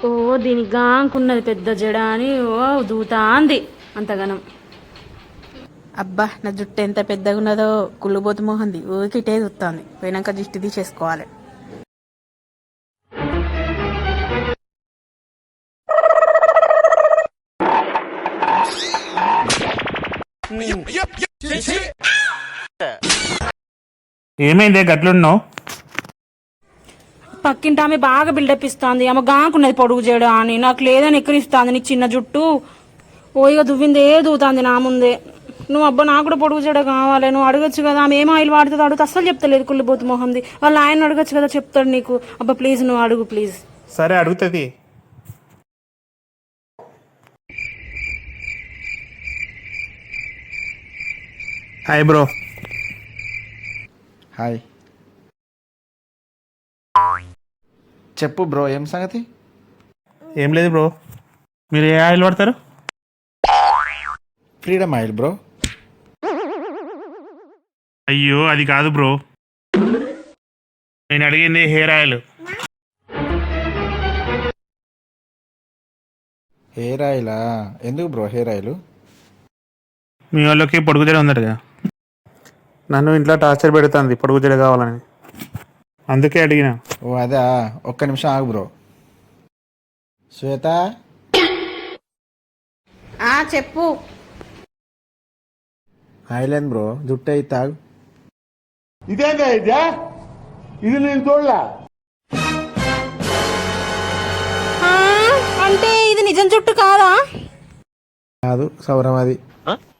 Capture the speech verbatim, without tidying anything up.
ఓ దీనికి గాంకున్నది పెద్ద జడ అని ఓ దూతాంది అంతగనం. అబ్బా నా జుట్టు ఎంత పెద్దగా ఉన్నదో కుళ్ళుబోతు మోహంది ఊరికి ఇటే చూస్తుంది. పోయినాక దిష్టి తీసేసుకోవాలి. ఏమైందే గట్లున్నావు? పక్కింటి ఆమె బాగా బిల్డప్ ఇస్తుంది. ఆమె గాంకున్నది పొడుగు జడ అని, నాకు లేదని ఎక్కడిస్తుంది నీకు చిన్న జుట్టు. ఓ ఇక దువ్విందే దూతాంది నా ముందే. నువ్వు అబ్బా నాకు కూడా పొడుగు జడ కావాలి, నువ్వు అడగచ్చు కదా. ఆమె ఏం ఆయిల్ వాడుతుంది అడుగుతా, అస్సలు చెప్తలేదు కుళ్ళిపోతు మొహంది. వాళ్ళ ఆయన అడగచ్చు కదా, చెప్తాడు నీకు. అబ్బా ప్లీజ్ నువ్వు అడుగు ప్లీజ్. సరే అడుగుతుంది. Hi bro. హాయ్, చెప్పు బ్రో, ఏం సంగతి? ఏం లేదు బ్రో, మీరు ఏ ఆయిల్ వాడతారు? Freedom oil bro. అయ్యో అది కాదు బ్రో, నేను అడిగింది హెయిర్ ఆయిల్. హెయిర్ ఆయిలా? ఎందుకు బ్రో హెయిర్ ఆయిల్? మీ వాళ్ళకి పొడుగు జడ ఉందటగా, నన్ను ఇంట్లో టార్చర్ పెడుతుంది పొడుగు జడ కావాలని, అందుకే అడిగిన. ఓ అదా, ఒక్క నిమిషం ఆగు బ్రో. శ్వేత, ఆ చెప్పు. ఆయిల్ ఏంది బ్రో, జుట్టు అయితే తాగు. ఇదేందా ఇదే? ఇది నేను చూడలే. అంటే ఇది నిజం జుట్టు కాదా? కాదు, సౌరం అది.